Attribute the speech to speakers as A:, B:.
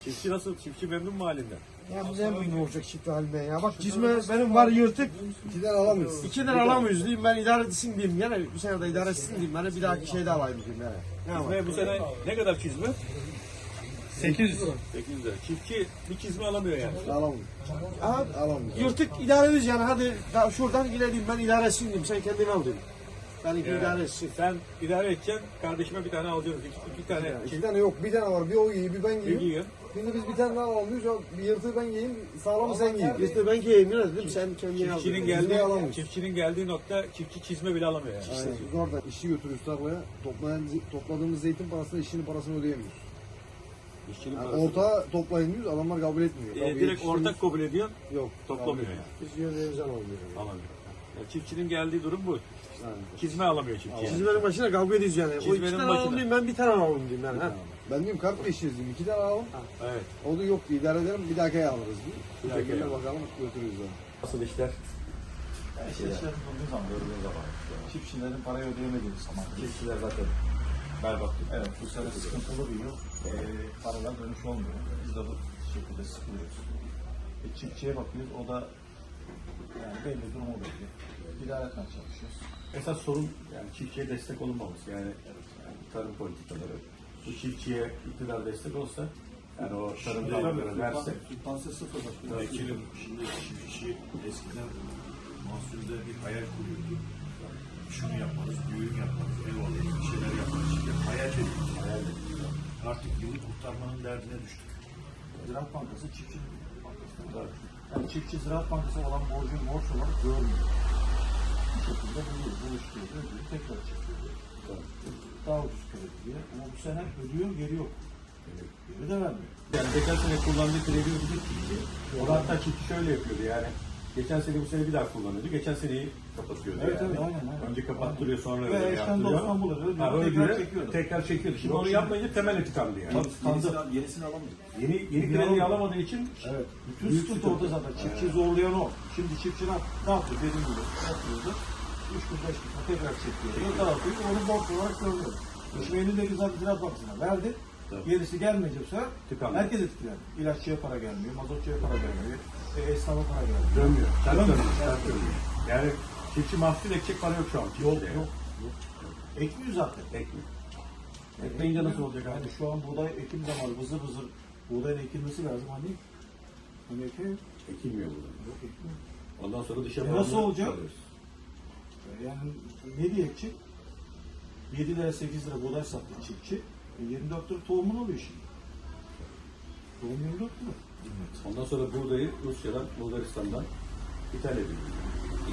A: Çiftçi nasıl? Çiftçi memnun mu halinden?
B: Ya bize memnun olacak çiftli haline ya. Bak cizme benim var yırtık.
C: 2 lira alamıyoruz.
B: 2 lira alamıyoruz diyeyim, ben idare etsin diyeyim. Gene bir sene de idare etsin diyeyim. Ben bir dahaki şeyde alayım diyeyim yani. Ne var?
A: Çizme bu sene ne kadar çizme?
B: 800 lira.
A: 800 lira. Çiftçi bir çizme alamıyor yani.
C: Alamıyoruz.
B: Aha,
C: Alamıyoruz.
B: yırtık idare ederiz yani, hadi daha şuradan ilerleyeyim, ben idare etsin diyeyim. Sen kendini al diyeyim. Ben idare etsin.
A: Sen idare edeceksin, kardeşime bir tane alacaksın. İki tane
C: 2 tane yok. Bir tane var. Bir o giyiyor, bir ben giyiyorum.
A: giyiyor.
C: Şimdi biz bir tane daha alıyoruz. Bir yırtığı ben giyeyim, sağlamı sen giyin.
B: İşte ben giyeyim biraz dedim, sen kendini al.
A: Çiftçinin geldiği nokta çiftçi çizme bile alamıyor yani.
C: Aynen. Biz orada işi götürüyoruz tarlaya. Topladığımız zeytin parasını, işçinin parasını ödeyemiyoruz.
A: İşçinin
C: Yani
A: parası.
C: ortağa toplayın diyoruz, adamlar kabul etmiyor.
A: Direkt ortak kabul ediyor,
C: yok.
A: toplamıyor yani.
B: Biz yönlerimizi alamıyoruz.
A: Alamıyor. Yani çiftçinin geldiği durum bu.
C: Yani.
A: Çizme alamıyor çiftçi. Yani.
B: Çizmenin başına kavga ediyoruz yani. O iki
A: Çizmenin
B: tane
A: başına.
B: alalım diyeyim, ben bir tane alalım diyeyim yani. Ha.
C: Ben diyorum kart değiştiririz diyeyim. 2 tane alalım.
A: Evet.
C: O da yok diye idare ederim. Bir dahaki ay alırız diye.
A: Bir
C: Bu
A: dahaki
C: şekilde
A: ay
C: bakalım götürürüz onu.
A: Nasıl işler?
D: İşler bulduğu zaman, gördüğün zaman. Çiftçilerin parayı ödeyemediği zaman.
A: Çiftçiler zaten berbat.
D: Evet, bu sene sıkıntılı bir yıl. Paralar dönüş olmuyor. Biz de bu şekilde sıkılıyoruz. Çiftçiye bakıyoruz, o da yani belli durumu belli. İdare etmeye çalışıyoruz.
A: Esas sorun yani çiftçiye destek olunmaması yani tarım politikaları. Bu çiftçiye iktidar destek olsa yani o tarım dalgaları verse.
D: Sübvanse sıfır bakıyor.
E: Vekilim şimdi çiftçi eskiden mahsulde bir hayal kuruyordu. Şunu yaparız, düğün yaparız, ev alırız, bir şeyler yaparız. Şimdi hayal ediyoruz. Artık yılı kurtarmanın derdine düştük.
D: Ziraat Bankası çiftçi bankası. Yani çiftçi Ziraat Bankası olan borcun borç olarak görmüyor. Bu şekilde buluşturuyor, ödüyor, tekrar çekiyor. Daha ucuz kredi diye. Ama bu sene ödüyor, geri yok. Geri de vermiyor.
A: Yani geçen sene kullandığı kredi ödeyecek çiftçi. O da hatta çiftçi şöyle yapıyordu yani. Geçen sene bu sene bir daha kullanıyordu. Geçen seneyi kapatıyordu
D: Evet,
A: yani.
D: evet, aynen.
A: Önce kapattırıyor sonra
D: Ve
A: öyle
D: eşten
A: yaptırıyor.
D: dosttan bulur, ödüyor,
A: Ha,
D: tekrar
A: ödüyor,
D: çekiyordu.
A: tekrar çekiyordu. Şimdi onu yapmayınca temeli tıkandı yani.
E: Yenisini alamayız.
A: Yeni krediyi alamadığı için
D: Evet. Bütün sıkıntı orada zaten. Çiftçi zorlayan o. Şimdi çiftçi ne yapıyor? Dediğim gibi yapıyordu. 3 gün 5 gün tekrar çekiyor. Dağıtıyor. Onu borç olarak görüyor. Şimdi elindeki zaten Ziraat Bankası'na verdi.
A: Tabii.
D: Gerisi gelmeyecek bu sefer
A: Tıkandı.
D: herkes etkilendi. İlaççıya para gelmiyor, mazotçuya para gelmiyor, esnafa para gelmiyor.
A: dönmüyor. Ters
D: Dönmüyor.
A: dönüyor. Ters dönüyor. Yani çiftçi mahsul ekecek para yok şu an.
D: Yok,
A: çiftçide yani.
D: yok. Ekmiyor zaten.
A: Ekmiyor. Ekleyince nasıl olacak abi?
D: Yani şu an buğday ekim zamanı vızır vızır buğdayın ekilmesi lazım. Hani ekiyor.
A: Ekilmiyor burada.
D: Yok ekmiyor.
A: Ondan sonra dışa
D: Nasıl
A: bağımlı
D: olacak?
A: kalıyoruz.
D: Yani ne diye ekecek? 7 lira 8 lira buğday sattı çiftçi. 24 lira tohumun oluyor şimdi. Tohum 24 lira.
A: Ondan sonra buğdayı Rusya'dan, Bulgaristan'dan ithal ediliyor.